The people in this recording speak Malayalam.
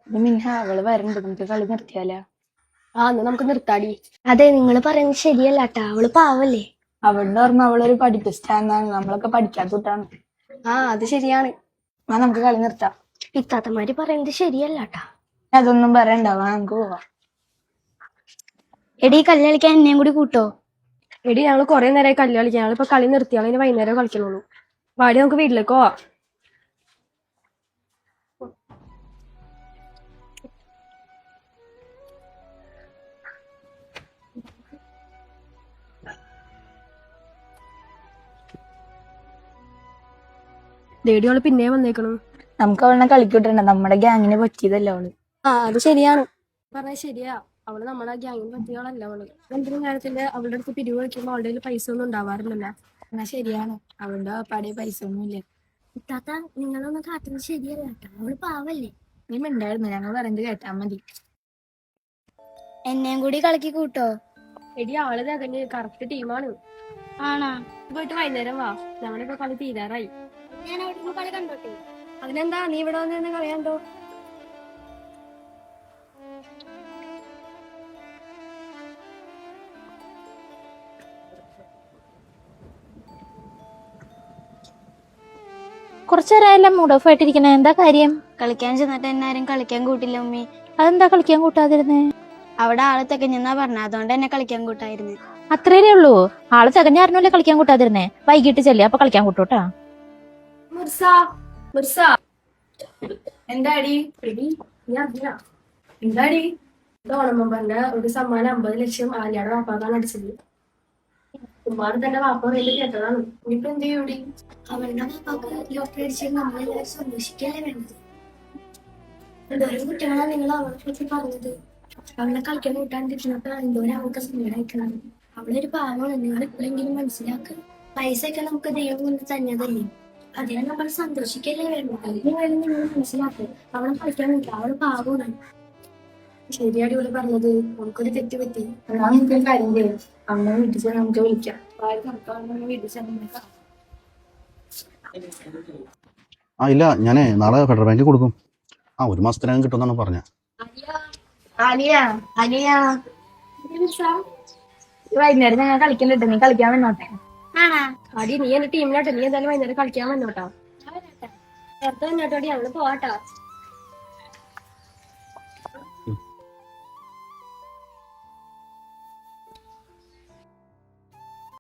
മിൻഹ അവള് വരണ്ട്, നമുക്ക് കളി നിർത്തിയാലോ? എന്നാ നമുക്ക് നിർത്താടി. അതെ, നിങ്ങൾ പറയുന്നത് ശരിയല്ലാട്ടാ, അവള് പാവല്ലേ. അവളുടെ ഓർമ്മ അവളൊരു പഠിപ്പിസ്റ്റാന്നാണ്, നമ്മളൊക്കെ പഠിക്കാത്തതാണ്. അത് ശരിയാണ്. നമുക്ക് കളി നിർത്താം. ഇത്താത്തമാര് പറയുന്നത് ശരിയല്ലാട്ടാ. അതൊന്നും പറയണ്ടാവാ, നമുക്ക് പോവാം. എടീ, കല്ല് കളിക്കാൻ എന്നെയും കൂടി കൂട്ടോ? എടി, ഞങ്ങള് കുറെ നേരമായി കല്ല് കളിക്കാൻ. ഞങ്ങളിപ്പോ കളി നിർത്തിയാൽ ഇനി വൈകുന്നേരം കളിക്കണുള്ളൂ. വാടി, നമുക്ക് വീട്ടിലേക്ക് പോവാ. ദേടിയോള് പിന്നെ വന്നേക്കണു. നമുക്ക് അവളെ കളിക്കൂട്ടണ്ട, നമ്മുടെ ഗ്യാങ്ങിന് പറ്റിയതല്ല അവള്. അത് ശരിയാണ്. പറഞ്ഞ ശരിയാ, അവള് നമ്മുടെ ഗ്യാങ്ങിന് പറ്റിയോളല്ല. അവള് എന്തെങ്കിലും കാര്യത്തിന്റെ അവളുടെ അടുത്ത് പിരിവ് വയ്ക്കുമ്പോ അവളുടെ കയ്യിൽ പൈസ ഒന്നും ഉണ്ടാവാറില്ലല്ലോ. എന്നാ ശരിയാണ്, അവളുടെ പാടിയ പൈസ ഒന്നുമില്ല. ഇത്താത്ത, നിങ്ങളൊന്നും കാട്ടുന്നത് ശരിയല്ലാട്ടാ, അവള് പാവല്ലേ. നീ മിണ്ടായിരുന്നു, ഞങ്ങൾ പറയുന്നത് കേട്ടാ മതി. എന്നെയും കൂടി കളിക്ക് കൂട്ടോ? എടി, ആള് തകഞ്ഞ് കറക്റ്റ് ടീമാണ്. ആണാ? പോയിട്ട് വൈകുന്നേരം വാ, ഞങ്ങളിപ്പോ കളി തീരാറായി. ഞാൻ അവിടെ കളി കണ്ടോട്ടെ? അതിനെന്താ, നീ ഇവിടെ വന്ന് തന്നെ കളയാണ്ടോ? കുറച്ചേരായെല്ലാം മൂഡ് ഓഫ് ആയിട്ടിരിക്കണേ, എന്താ കാര്യം? കളിക്കാൻ ചെന്നിട്ട് എന്നെ ആരും കളിക്കാൻ കൂട്ടില്ല ഉമ്മി. അതെന്താ കളിക്കാൻ കൂട്ടാതിരുന്നേ? അവിടെ ആള് തികഞ്ഞെന്നാ പറഞ്ഞ, അതുകൊണ്ട് എന്നെ കളിക്കാൻ കൂട്ടായിരുന്നേ. അത്രേ ഉള്ളൂ? ആള് തികഞ്ഞായിരുന്നല്ലേ കളിക്കാൻ കൂട്ടാതിരുന്നേ? വൈകിട്ട് ചെല്ലി, അപ്പൊ കളിക്കാൻ കൂട്ടൂട്ടാ. എന്താടി? എന്താടി? ഓണമ്പന്റെ ഒരു സമ്മാനം 50 ലക്ഷം ആലിയുടെ വാപ്പാക്കാണ് അടിച്ചത്. ഉമ്മാറ് തന്നെ വാപ്പ വേണ്ടി കേട്ടതാണ്. ഇനിയിപ്പോ എന്ത് ചെയ്യൂടി? അവളുടെ വാപ്പാക്ക് ലോട്ടറി അടിച്ചത് നമ്മളെല്ലാവരും സന്തോഷിക്കല്ലേ വേണ്ടത്. എന്തോരം കുട്ടികളാണ് നിങ്ങൾ അവളെ പറ്റി പറഞ്ഞത്. അവളെ കളിക്കാൻ കൂട്ടാണ്ടിരുന്നപ്പോ എന്തോരം അവൾക്ക് സങ്കടമായിക്കണം. അവളൊരു പാവമാണ്, നിങ്ങൾ എപ്പോഴെങ്കിലും മനസ്സിലാക്കുക. പൈസ ഒക്കെ നമുക്ക് ദൈവം കൊണ്ട് തന്നതല്ലേ, അതിനെ നമ്മൾ സന്തോഷിക്കല്ലേ വേണ്ടത്. നിങ്ങൾ മനസ്സിലാക്കുക. അവളെ കളിക്കാൻ കൂട്ടാ, അവള് പാവമാണ്. ശരിയാടി ഇവിടെ പറഞ്ഞത്, നമുക്കൊരു തെറ്റ് പറ്റി. എന്നാ നമുക്കൊരു കാര്യം ചെയ്യാം, അമ്മ വീട്ടിൽ ചെന്ന് നമുക്ക് വിളിക്കാം. വീട്ടിൽ ചെന്ന് ഇല്ല, ഞാനേ നാളെ ഫെഡറൽ ബാങ്കിൽ കൊടുക്കും. 1 മാസത്തിനകം കിട്ടുമെന്നാണ് പറഞ്ഞത്. വൈകുന്നേരം ഞങ്ങൾ കളിക്കണ്ടിട്ട്, നീ കളിക്കാൻ വന്നോട്ടെ. അടി, നീ എന്റെ ടീമിലോട്ടെ. നീ എന്തായാലും വൈകുന്നേരം കളിക്കാൻ വന്നോട്ടാ. നേരത്തെ വന്നോട്ടോടി, ഞങ്ങള് പോവാട്ടാ.